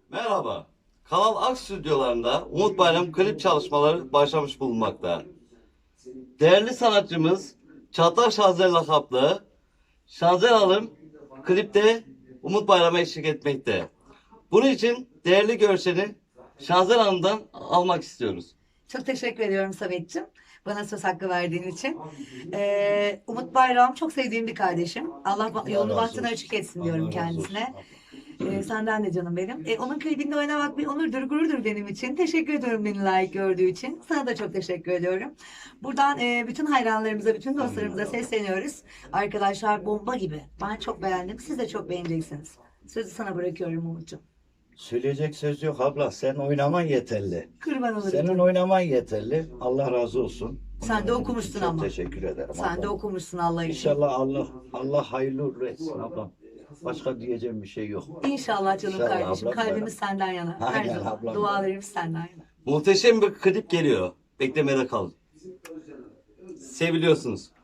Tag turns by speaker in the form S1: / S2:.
S1: Merhaba. Kanal Ak stüdyolarında Umut Bayram klip çalışmaları başlamış bulunmakta. Değerli sanatçımız Çağatay Şazer lakaplı Şazer Hanım klipte Umut Bayram'a eşlik etmekte. Bunun için değerli görseli Şazer Hanım'dan almak istiyoruz.
S2: Çok teşekkür ediyorum Samet'ciğim. Bana söz hakkı verdiğin için. Umut Bayram çok sevdiğim bir kardeşim. Allah yolunu bahtını açık etsin diyorum kendisine. Senden de canım benim. Onun klibinde oynamak bir onurdur, gururdur benim için. Teşekkür ediyorum beni layık gördüğü için. Sana da çok teşekkür ediyorum. Buradan bütün hayranlarımıza, bütün dostlarımıza sesleniyoruz. Arkadaşlar bomba gibi. Ben çok beğendim. Siz de çok beğeneceksiniz. Sözü sana bırakıyorum Umut'cum.
S3: Söyleyecek söz yok abla. Sen oynaman yeterli.
S2: Kurban olurum.
S3: Senin oynaman yeterli. Allah razı olsun.
S2: Sen de okumuşsun
S3: Çok
S2: ama.
S3: teşekkür ederim.
S2: Sen de
S3: ablam.
S2: okumuşsun Allah için.
S3: İnşallah Allah hayırlı uğurlu etsin ablam. Başka diyeceğim bir şey yok.
S2: İnşallah canım
S3: İnşallah
S2: kardeşim.
S3: ablam,
S2: Kalbimiz senden yana. Her
S3: Aynen
S2: zaman.
S3: ablam.
S2: Dualarımız senden yana.
S1: Muhteşem bir klip geliyor. Beklemede kalın. Seviliyorsunuz.